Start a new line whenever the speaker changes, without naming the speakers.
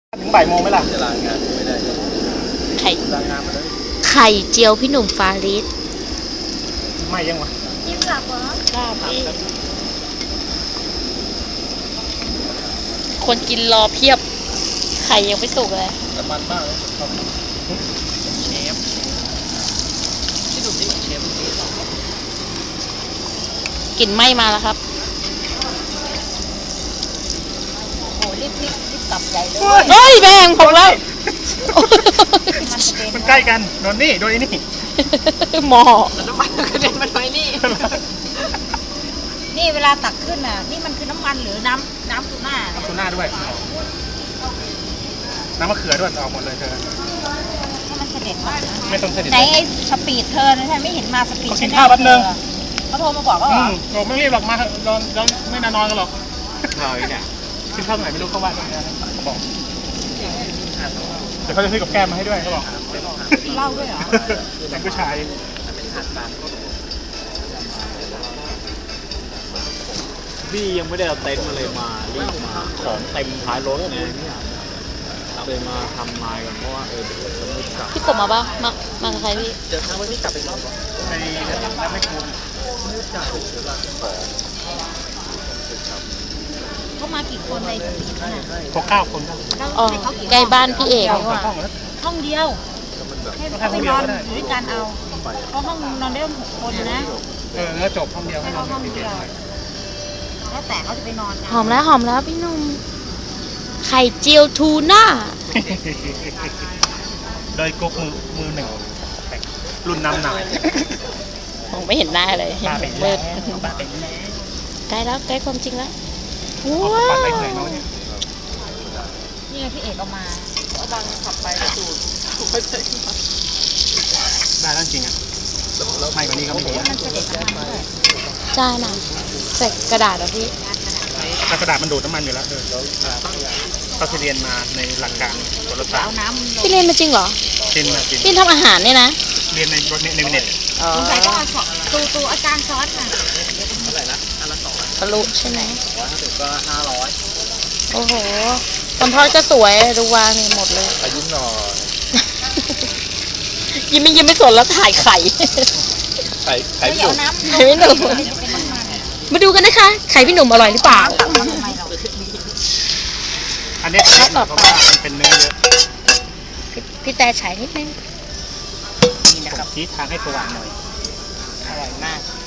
ถึงบ่ายโมงไหมล่ะ
จะลางานไม่ได้
ไข่
ลางานมาเลย
ไข่เจียวพี่หนุ่มฟาริส
ไม่ยังวะ
จิ้มหลับเหรอ
คนกินรอเพียบไข่ยังไม่สุกเลย
แต่มันมากเลยเชฟที่ดูนี่เชฟ
กลิ่นไหม้มาแล้วครับ
โอ้รีบกลับใหญ่เลย
เฮ้ยแบงผมแล้ว
มันใกล้กันโดนนี่โดนไอ้นี่
หมอ
น้ำมันกระเด็นมันไปนี่
นี่เวลาตักขึ้นน่ะนี่มันคือน้ำมันหรือน้ำทูน่า
น้ำทูน่าด้วยน้ำมะเขือด้วยออกหมดเลยเธอ
ให้มันเสด็จมา
ไม่ต้องเสด็จ
ไหนไอ้สปีดเธอนะไม่เห็นมาสปีด
กินข้าวแป๊บนึง
เขาโทรมาบอกว่า
บอกไม่รีบหรอกมาเราไม่นอนกันหรอก
ข้าวเนี่ย
กินข้าวไหนไม่รู้เขาว่าเขาบอกเดี๋ยวเขาจะซื้อกับแก้มมาให้ด้วยเขาบอก
เล่าด้วยเหรอ
แต่ผู้ชาย
พี่ยังไม่ได้เอาเต็นท์มาเลยมารีบมาของเต็มท้ายรถเลยเนี่ยเลยมาทำลายกันเพราะว่าเดี๋ยวจะไม่กลับ
พี่กบมาป่ะมากับใครพี่
เดี๋ยวทางวันนี้กลับไปรอบ
ในน้ำไม่คุ้ม
เขามากี่คนในสปีดน่ะ
9 คน
อ๋อใกล้บ้านพี่เอก
ห้องเดียวให้เขาไปนอนอยู่ด้วยกันเอาเพราะห้องนอนได้6 คนนะ
แล้วจบห้องเดียว
ให้ห้องเดียวแล้วแต่เขาจะไปนอน
หอมแล้วพี่หนุ่มไข่เจียวทูน่า
โดยกุ๊กมือหนึ่งรุ่นน้ำหน่าย
มองไม่เห็นหน้าเลย
ป้าเป็นแม่
ใกล้แล้วใกล้ความจริงแล้ว
ว้าว
นี่ไงพี่เอกเอามา
บางขับไปสูด
ได้แล้วจริงอ่ะไม่กว่านี้ก็ไม่ดี
มันเสด็จน้ำมันด้วย
ใช่น่ะใส่กระดาษเหรอพี่
กระดาษมันดูดน้ำมันอยู่แล้วเขาเรียนมาในหลักการกลศาสตร์
พี่เรียนมาจริงเหรอพี่ทำอาหารเนี่ยนะ
เรียนในเน็ต
สงสัยต้องเอาตูอาจารย์สอนน่ะ
เท่าไหร่นะอันละ2
ทะลุใช่ไหม
150ก็500
โอ้โหคนทอดก็สวยดูวางนี่หมดเลย
อายุหน่อย
ยิ้มไม่สนแล้วถ่ายไข่
พี่หนุ่ม
พี่หนุ่มมาดูกันนะคะไข่พี่หนุ่มอร่อยหรือเปล่า
อันนี้ต่อไปมันเป็นเนื้อเยอะ
พี่แต่ฉายนิดนึง
นี่นะครับชี้ทางให้สว่างหน่อยอร่อยมาก